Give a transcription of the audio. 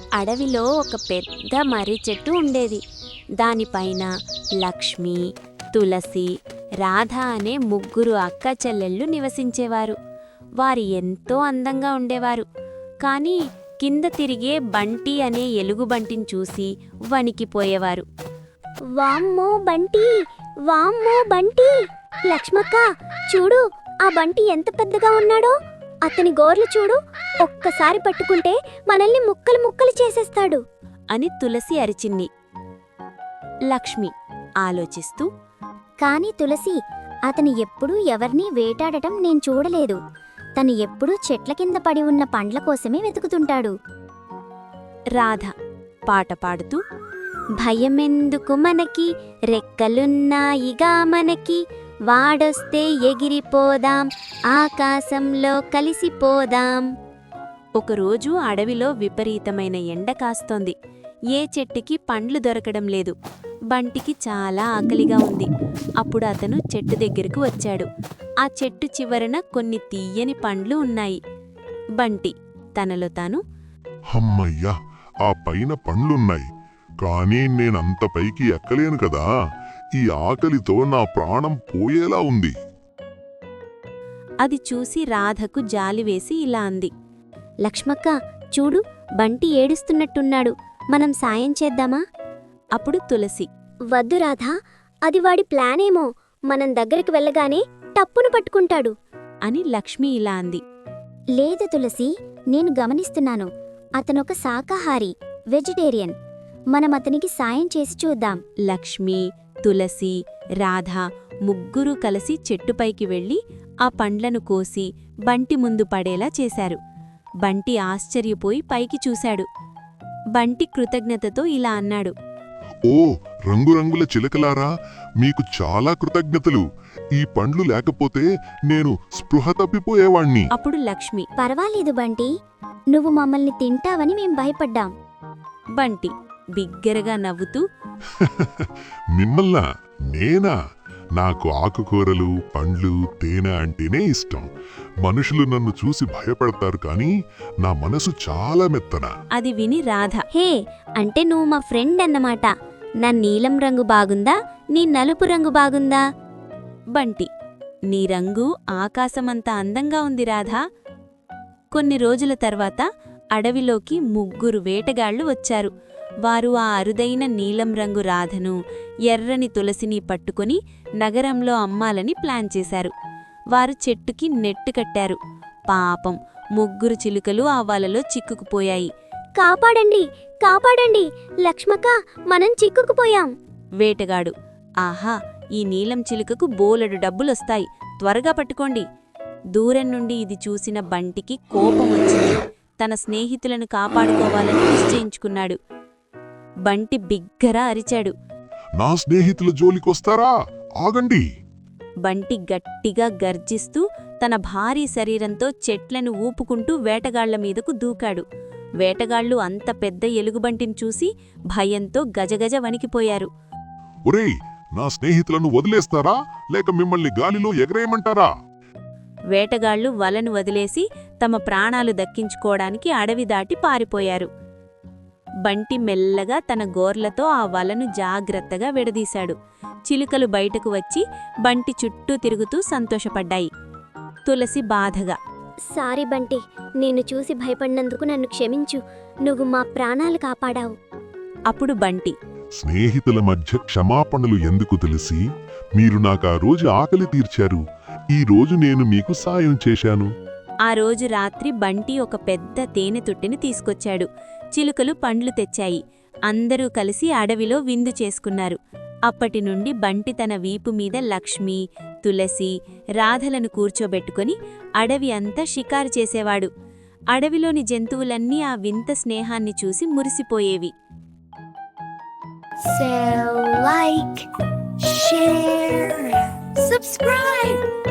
అడవిలో ఒక పెద్ద మర్రి చెట్టు ఉండేది. దానిపైన లక్ష్మి, తులసి, రాధ అనే ముగ్గురు అక్క చెల్లెళ్ళు నివసించేవారు. వారు ఎంతో అందంగా ఉండేవారు. కానీ కింద తిరిగే బంటి అనే ఎలుగుబంటిని చూసి వణికిపోయేవారు. వామ్మో బంటి, వామ్మో బంటి! లక్ష్మక్క, చూడు, ఆ బంటి ఎంత పెద్దగా ఉన్నాడో. అతని గోర్లు చూడు, ఒక్కసారి పట్టుకుంటే మనల్ని ముక్కలు ముక్కలు చేసేస్తాడు అని తులసి అరిచింది. లక్ష్మి ఆలోచిస్తూ, కాని తులసి, అతను ఎప్పుడూ ఎవరినీ వేటాడటం నేను చూడలేదు. తను ఎప్పుడూ చెట్ల కింద పడి ఉన్న పండ్ల కోసమే వెతుకుతుంటాడు. రాధ పాట పాడుతూ, భయమెందుకు మనకి, రెక్కలున్నాయిగా మనకి, వాడొస్తే ఎగిరిపోదాం, ఆకాశంలో కలిసిపోదాం. ఒకరోజు అడవిలో విపరీతమైన ఎండ కాస్తోంది. ఏ చెట్టుకి పండ్లు దొరకడం లేదు. బంటికి చాలా ఆకలిగా ఉంది. అప్పుడు అతను చెట్టు దగ్గరకు వచ్చాడు. ఆ చెట్టు చివరన కొన్ని తీయని పండ్లు ఉన్నాయి. బంటి తనలో తాను, హమ్మయ్యా, ఆ పైన పండ్లున్నాయి, కానీ నేనంత పైకి ఎక్కలేను కదా. ఈ ఆకలితో నా ప్రాణం పోయేలా ఉంది. అది చూసి రాధకు జాలివేసి ఇలా అంది. లక్ష్మక్క, చూడు, బంటి ఏడుస్తున్నట్టున్నాడు. మనం సాయం చేద్దామా? అప్పుడు తులసి, వద్దు రాధా, అది వాడి ప్లానేమో. మనం దగ్గరికి వెళ్ళగానే టప్పును పట్టుకుంటాడు అని లక్ష్మి ఇలా అంది. లేదు తులసి, నేను గమనిస్తున్నాను. అతనొక శాకాహారి, వెజిటేరియన్. మనం అతనికి సాయం చేసి చూద్దాం. లక్ష్మి, తులసి, రాధ ముగ్గురూ కలిసి చెట్టుపైకి వెళ్లి ఆ పండ్లను కోసి బంటి ముందు పడేలా చేశారు. బంటి ఆశ్చర్యపోయి పైకి చూశాడు. బంటి కృతజ్ఞతతో ఇలా అన్నాడు. ఓ రంగురంగుల చిలకలారా, మీకు చాలా కృతజ్ఞతలు. ఈ పండ్లు లేకపోతే నేను స్పృహ తప్పిపోయేవాణ్ణి. అప్పుడు లక్ష్మి, పర్వాలేదు బంటి, నువ్వు మమ్మల్ని తింటావని మేం భయపడ్డాం. బంటి బిగ్గరగా నవ్వుతూ, మిమ్మల్నా? నేనా? నాకు ఆకుకూరలు, పండ్లు, తేనె అంటేనే ఇష్టం. మనుషులు నన్ను చూసి భయపడతారు, కానీ నా మనసు చాలా మెత్తన. అది విని రాధ, హే, అంటే నువ్వు మా ఫ్రెండ్ అన్నమాట. నా నీలం రంగు బాగుందా, నీ నలుపు రంగు బాగుందా? బంటి, నీ రంగు ఆకాశమంత అందంగా ఉంది రాధా. కొన్ని రోజుల తర్వాత అడవిలోకి ముగ్గురు వేటగాళ్లు వచ్చారు. వారు ఆ అరుదైన నీలం రంగు రాధను, ఎర్రని తులసిని పట్టుకుని నగరంలో అమ్మాలని ప్లాన్ చేశారు. వారు చెట్టుకి నెట్టు కట్టారు. పాపం, ముగ్గురు చిలుకలు ఆ వలలో చిక్కుకుపోయాయి. కాపాడండి, కాపాడండి! లక్ష్మక్క, మనం చిక్కుకుపోయాం. వేటగాడు, ఆహా, ఈ నీలం చిలుకకు బోలెడు డబ్బులొస్తాయి, త్వరగా పట్టుకోండి. దూరం నుండి ఇది చూసిన బంటికి కోపం వచ్చింది. తన స్నేహితులను కాపాడుకోవాలని నిశ్చయించుకున్నాడు. బంటి బిగ్గరా అరిచాడు. నా స్నేహితుల జోలికొస్తారా? ఆగండి! బంటి గట్టిగా గర్జిస్తూ తన భారీ శరీరంతో చెట్లను ఊపుకుంటూ వేటగాళ్ల మీదకు దూకాడు. వేటగాళ్లు అంత పెద్ద ఎలుగుబంటిని చూసి భయంతో గజగజ వణికిపోయారు. ఒరేయ్, నా స్నేహితులను వదిలేస్తారా, లేక మిమ్మల్ని గాలిలో ఎగరేయమంటారా? వేటగాళ్లు వలను వదిలేసి తమ ప్రాణాలు దక్కించుకోవడానికి అడవి దాటి పారిపోయారు. బంటి మెల్లగా తన గోర్లతో ఆ వలను జాగ్రత్తగా విడదీశాడు. చిలుకలు బయటకు వచ్చి బంటి చుట్టూ తిరుగుతూ సంతోషపడ్డాయి. తులసి బాధగా, సారీ బంటి, నేను చూసి భయపడినందుకు నన్ను క్షమించు. నువ్వు మా ప్రాణాలు కాపాడావు. అప్పుడు బంటి, స్నేహితుల మధ్య క్షమాపణలు ఎందుకు తెలిసి? మీరు నాకా రోజు ఆకలి తీర్చారు. ఈ రోజు నేను మీకు సాయం చేశాను. ఆ రోజు రాత్రి బంటి ఒక పెద్ద తేనె తుట్టిని తీసుకొచ్చాడు. చిలుకలు పండ్లు తెచ్చాయి. అందరూ కలిసి అడవిలో విందు చేసుకున్నారు. అప్పటినుండి బంటి తన వీపు మీద లక్ష్మి, తులసి, రాధలను కూర్చోబెట్టుకుని అడవి అంతా షికారు చేసేవాడు. అడవిలోని జంతువులన్నీ ఆ వింత స్నేహాన్ని చూసి మురిసిపోయేవి. So like, share, subscribe.